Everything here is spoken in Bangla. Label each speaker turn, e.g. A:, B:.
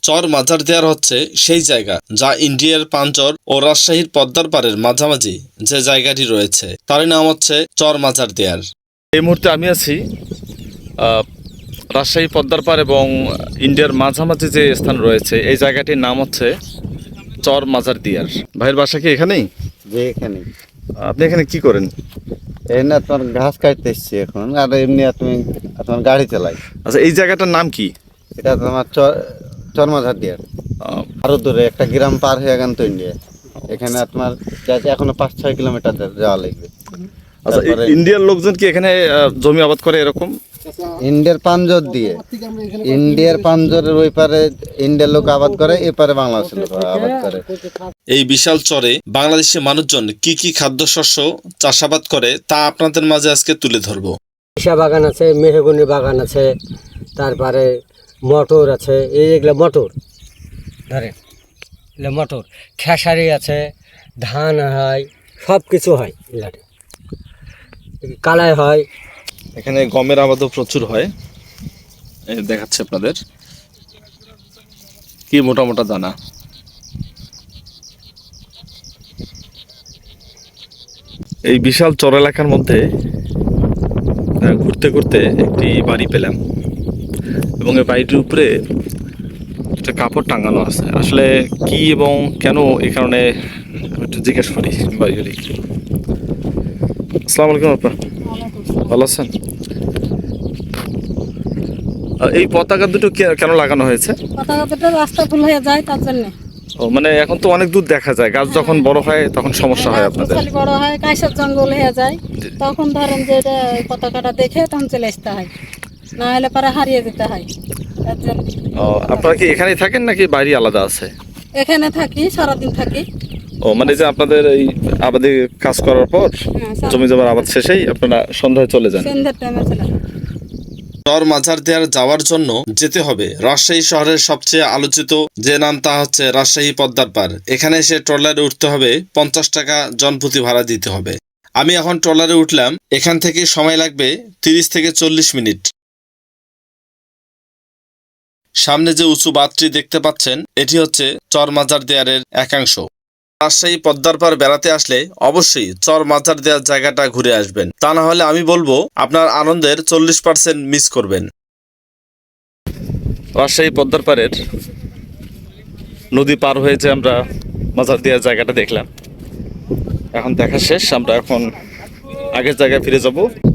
A: চর মাজার দেয়ার হচ্ছে সেই জায়গা যা ইন্ডিয়ার পাঞ্চর ও রাজশাহীর পদ্মার পাড়ের মাঝামাঝি যে জায়গাটি রয়েছে তারই নাম হচ্ছে চর মাজার দেয়ার।
B: এই মুহূর্তে আমি আছি রাজশাহী পদ্মার পাড় এবং ইন্ডিয়ার মাঝামাঝি যে স্থান রয়েছে এই জায়গাটির নাম হচ্ছে চর মাজার দিয়ার। ভাইয়ের বাসা কি এখানেই?
C: যে এখানে
B: আপনি এখানে কি করেন?
C: এই না তোমার ঘাস কাটতে এসছি এখন, আর এমনি তুমি তোমার গাড়ি চালাই।
B: আচ্ছা, এই জায়গাটার নাম কি?
C: এটা তোমার চরমাঝার দিয়ে
B: আহ,
C: আরো দূরে একটা গ্রাম পার হয়ে গেল তো ইন্ডিয়া। এখানে তোমার এখনো 5-6 কিলোমিটার যাওয়া লাগবে।
B: আচ্ছা, ইন্ডিয়ার লোকজন কি এখানে জমি আবাদ করে এরকম?
C: ইন্ডিয়ার পাঞ্জর দিয়ে, ইন্ডিয়ার পাঞ্জরের ওই পারে ইন্ডিয়ার লোক আবাদ করে, এ পারে বাংলাদেশের লোক আবাদ করে।
A: এই বিশাল চরে বাংলাদেশি মানুষজন কি কি খাদ্যশস্য চাষাবাদ করে তা আপনাদের মাঝে আজকে তুলে ধরবো।
D: সরিষা বাগান আছে, মেহগনি বাগান আছে, তারপরে মটর আছে, এইগুলো মটর ধরেন, এগুলো মটর, খেসারি আছে, ধান হয়, সব কিছু হয়, এগুলাতে কালাই হয়।
B: এখানে গমের আবাদও প্রচুর হয়। এই দেখাচ্ছে আপনাদের কি মোটা মোটা দানা। এই বিশাল চর এলাকার মধ্যে ঘুরতে ঘুরতে একটি বাড়ি পেলাম এবং এই বাড়িটির উপরে একটা কাপড় টাঙানো আছে। আসলে কি এবং কেন এই কারণে আমি একটু জিজ্ঞেস করি বাড়িগুলি। আসসালামু আলাইকুম আপা, ভালো আছেন? এই পতাকা দুটো কেন লাগানো হয়েছে?
E: পতাকা দুটো রাস্তা ফুল হয়ে যায় তার জন্য।
B: ও মানে এখন তো অনেক দূর দেখা যায়, গাছ যখন বড় হয় তখন সমস্যা হয় আপনাদের।
E: বড় হয়, কাইসার জঙ্গল হয়ে যায়, তখন ধরেন যে এটা পতাকাটা দেখে তখন চলে আসতে হয়, না হলে পরে হারিয়ে যেতে হয়। তার জন্য।
B: ও, আপনারা কি এখানেই থাকেন নাকি বাড়ি আলাদা আছে?
E: এখানে থাকি, সারাদিন থাকি।
B: ও মানে যে আপনাদের এই আবাদে কাজ করার পর জমি জমার আবাদ শেষেই আপনারা সন্ধ্যায় চলে যান?
E: সন্ধ্যার টাইমে চলে যাই।
A: চর মাজার দেয়ার যাওয়ার জন্য যেতে হবে রাজশাহী শহরের সবচেয়ে আলোচিত যে নাম তা হচ্ছে রাজশাহী পদ্মার পাড়। এখানে এসে ট্রলারে উঠতে হবে, 50 টাকা জনপ্রতি ভাড়া দিতে হবে। আমি এখন ট্রলারে উঠলাম, এখান থেকে সময় লাগবে 30 থেকে 40 মিনিট। সামনে যে উঁচু বাঁধটি দেখতে পাচ্ছেন এটি হচ্ছে চর মাজার দেয়ারের একাংশ। রাজশাহী পদ্মার পাড় বেড়াতে আসলে অবশ্যই চর মাজার দেয়ার জায়গাটা ঘুরে আসবেন, তা না হলে আমি বলবো আপনার আনন্দের 40% মিস করবেন।
B: রাজশাহী পদ্মার পাড়ের নদী পার হয়েছে আমরা মাজার দেওয়ার জায়গাটা দেখলাম। এখন দেখা শেষ, আমরা এখন আগের জায়গায় ফিরে যাব।